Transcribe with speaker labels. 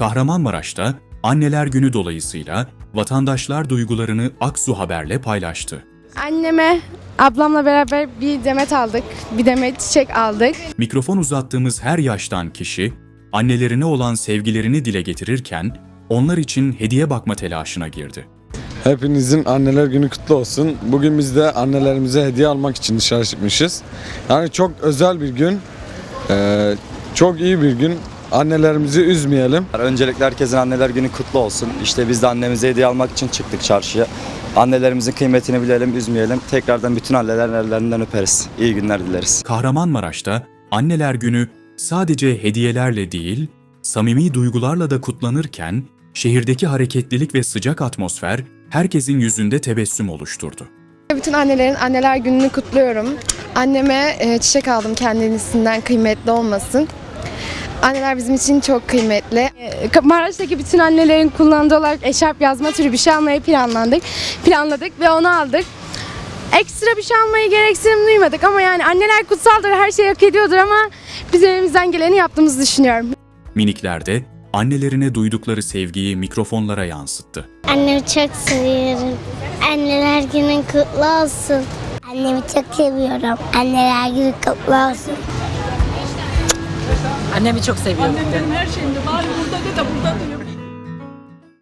Speaker 1: Kahramanmaraş'ta Anneler Günü dolayısıyla vatandaşlar duygularını Aksu Haber'le paylaştı.
Speaker 2: Anneme, ablamla beraber bir demet aldık, bir demet çiçek aldık.
Speaker 1: Mikrofon uzattığımız her yaştan kişi, annelerine olan sevgilerini dile getirirken, onlar için hediye bakma telaşına girdi.
Speaker 3: Hepinizin Anneler Günü kutlu olsun. Bugün biz de annelerimize hediye almak için dışarı çıkmışız. Yani çok özel bir gün, çok iyi bir gün. Annelerimizi üzmeyelim.
Speaker 4: Öncelikle herkesin Anneler Günü kutlu olsun. İşte biz de annemize hediye almak için çıktık çarşıya. Annelerimizin kıymetini bilelim, üzmeyelim. Tekrardan bütün annelerin ellerinden öperiz. İyi günler dileriz.
Speaker 1: Kahramanmaraş'ta Anneler Günü sadece hediyelerle değil, samimi duygularla da kutlanırken, şehirdeki hareketlilik ve sıcak atmosfer herkesin yüzünde tebessüm oluşturdu.
Speaker 2: Bütün annelerin Anneler Günü'nü kutluyorum. Anneme çiçek aldım, kendisinden kıymetli olmasın. Anneler bizim için çok kıymetli. Maraş'taki bütün annelerin kullandığı olarak eşarp yazma türü bir şey almayı planladık ve onu aldık. Ekstra bir şey almayı gereksinim duymadık ama yani anneler kutsaldır, her şeyi hak ediyordur ama biz elimizden geleni yaptığımızı düşünüyorum.
Speaker 1: Minikler de annelerine duydukları sevgiyi mikrofonlara yansıttı.
Speaker 5: Annemi çok seviyorum. Anneler Günü kutlu olsun. Annemi çok seviyorum. Anneler Günü kutlu olsun.
Speaker 6: Annemi çok seviyorum.
Speaker 7: Annemlerin her şeyinde var burada de burada diyor.